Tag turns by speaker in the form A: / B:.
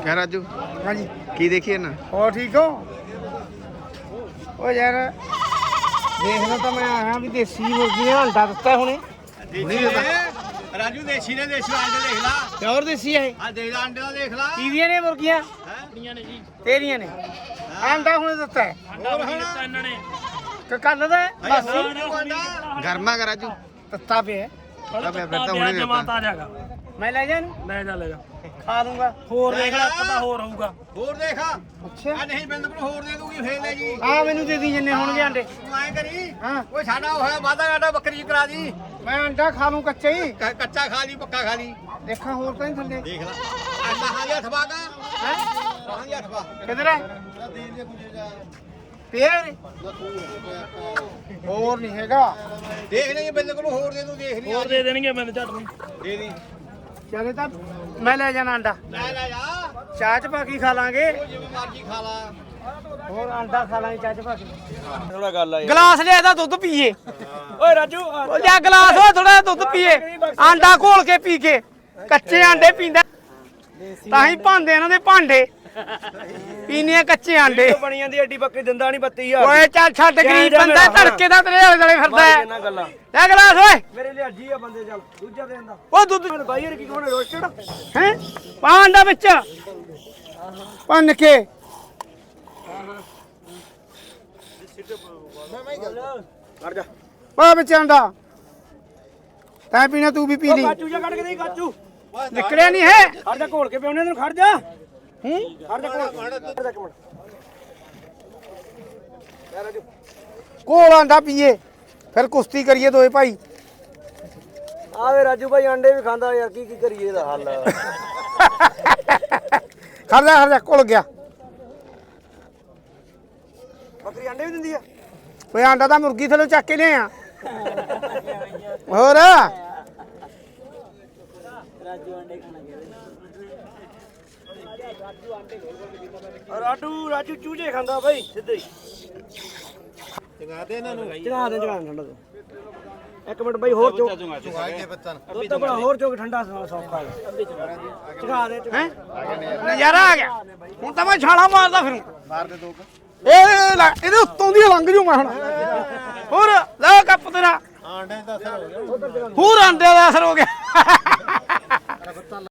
A: क्या राजू
B: हाँ जी
A: की देखिए ना
B: और ठीक हो ओ यार देखना तो मैं आया भी देसी मुर्गी ने अंडा दिता हुणे
C: राजू देसी ने देसी अंडे देख ला
B: प्योर देसी है
C: आ देख ला अंडे दा देख ला
B: कीदियां ने मुर्गियां
C: हैं ने जी
B: तेरियां ने अंडा हुणे दिता है
C: अंडा नहीं दिता इन्होंने
B: कि कल दा बस
A: गर्मा का राजू
B: तत्ता पे है
A: अब फिर तो होने देता
C: जाएगा
B: मैं ले जाऊं
C: ले जा
B: खा लूंगा
C: ਹੋਰ ਦੇਖ ਲੈ ਪਤਾ ਹੋਰ ਹੋਊਗਾ ਹੋਰ ਦੇਖ ਆ
B: अच्छा
C: ਨਹੀਂ ਬਿੰਦ ਨੂੰ ਹੋਰ ਦੇ ਦੂਗੀ ਫੇਰ ਲੈ ਜੀ
B: आ मैनू दे दी जिन्ने होणगे अंडे
C: ਤੂੰ ਐ ਕਰੀ
B: हाँ
C: ਓਏ ਸਾਡਾ ਹੋਇਆ ਵਾਦਾ ਘਾਟਾ ਬੱਕਰੀ ਕਰਾ ਦੀ
B: मैं अंडा खा लूं कच्चे ही
C: ਕੱਚਾ ਖਾ ਲਈ ਪੱਕਾ ਖਾ ਲਈ
B: देखा और तो नहीं थल्ले
C: ਦੇਖ ਲੈ ਅੰਡਾ ਹਾਂ ਜਾਂ ਥਵਾ ਦਾ
B: हैं
C: ਹਾਂ ਜਾਂ ਥਵਾ
B: किधर है पेड़ और नहीं हैगा
C: ਦੇਖ ਲਈ ਬਿੰਦ ਨੂੰ ਹੋਰ ਦੇ ਦੂੰ ਦੇਖ ਲਈ ਹੋਰ ਦੇ ਦੇਣਗੇ ਬਿੰਦ ਝੱਟ ਨੂੰ ਦੇ ਦੀ
B: चले तो मैं ले जाना अंडा
C: ਲੈ ਲੈ ਜਾ
B: चाह च पाकी खा लांगे
C: ਜਿਵੇਂ ਮਰਜੀ ਖਾ ਲਾ
B: और अंडा खा लांगे चाह च पाकी
C: ਥੋੜਾ ਗੱਲ ਆ
B: गिलास ले दा दूध पीए
C: ਓਏ ਰਾਜੂ
B: जा गिलास हो थोड़ा दूध पीए आंडा घोल के पी के कच्चे आंडे पींदा ताही भांदे इन्हां दे भांडे पीने कच्चे आंडे
C: ਬਣੀ ਜਾਂਦੀ ਐਡੀ ਬੱਕਰੀ ਦਿੰਦਾ ਨਹੀਂ 32000
B: ओए चल छੱਡ गरीब बंदा धड़के दा तेरे आले दुआले फिरदा है
C: ਇਹਨਾਂ ਗੱਲਾਂ
B: ले गिलास ओए
C: ਮੇਰੇ ਲਈ ਅੱਜੀ ਆ ਬੰਦੇ ਚੱਲ ਦੂਜਾ ਦੇਣ ਦਾ
B: ओ दूध
C: ਬਾਈ ਯਾਰ ਕੀ ਕੋਣ ਰੋਸਟਡ
B: हैं पा अंडा विच भन के
C: ਕਰ ਜਾ
B: पा विच अंडा तैं पीना तू भी पी ली
C: ਕਾਚੂ ਜਾ ਕੱਢ ਕੇ ਦੇ ਕਾਚੂ
B: निकलिया नहीं है
C: ਖੜ ਜਾ ਘੋਲ ਕੇ ਪਿਉਣੇ ਨੂੰ ਖੜ ਜਾ
B: हूं
C: ਖੜ ਜਾ ਘੋਲ ਖੜ ਜਾ ਇੱਕ ਮਿੰਟ ਯਾਰ ਰਾਜੂ
B: कोल आंडा पीए फिर कुश्ती करिए दोए भाई
C: ਆਵੇ ਰਾਜੂ ਭਾਈ ਅੰਡੇ ਵੀ ਖਾਂਦਾ ਯਾਰ ਕੀ ਕਰੀਏ ਇਹਦਾ ਹੱਲ
B: खड़ जा घुल गया
C: ਬੱਕਰੀ ਅੰਡੇ ਵੀ ਦਿੰਦੀ ਆ
B: ओए आंडा तो मुर्गी थलो चक के ले और
C: ਰਾਜੂ ਚੂਝੇ ਖਾਂਦਾ ਭਾਈ ਸਿੱਧੇ ਹੀ ਚਗਾ ਦੇ ਇਹਨਾਂ ਨੂੰ ਚਗਾ ਦੇ ਠੰਡਾ ਤੋਂ ਇੱਕ ਮਿੰਟ ਬਾਈ ਹੋਰ ਚੋਕ ਦੁੱਧ ਤਾਂ ਬੜਾ ਹੋਰ ਚੋਕ ਠੰਡਾ ਸੌਖਾ ਚਗਾ ਦੇ
B: हैं नजारा आ गया हूं तो मैं छाला मारदा फिरूं
A: मार दे दो
B: ਇਹਦੇ ਉੱਤੋਂ ਦੀ ਲੰਘ ਜੂ ਮੈਂ ਹੁਣ ਹੋਰ ਲੈ ਕੱਪ ਤੇਰਾ
C: ਆਂਡੇ ਦਾ ਅਸਰ ਹੋ ਗਿਆ
B: ਹੋਰ ਆਂਡੇ ਦਾ ਅਸਰ ਹੋ ਗਿਆ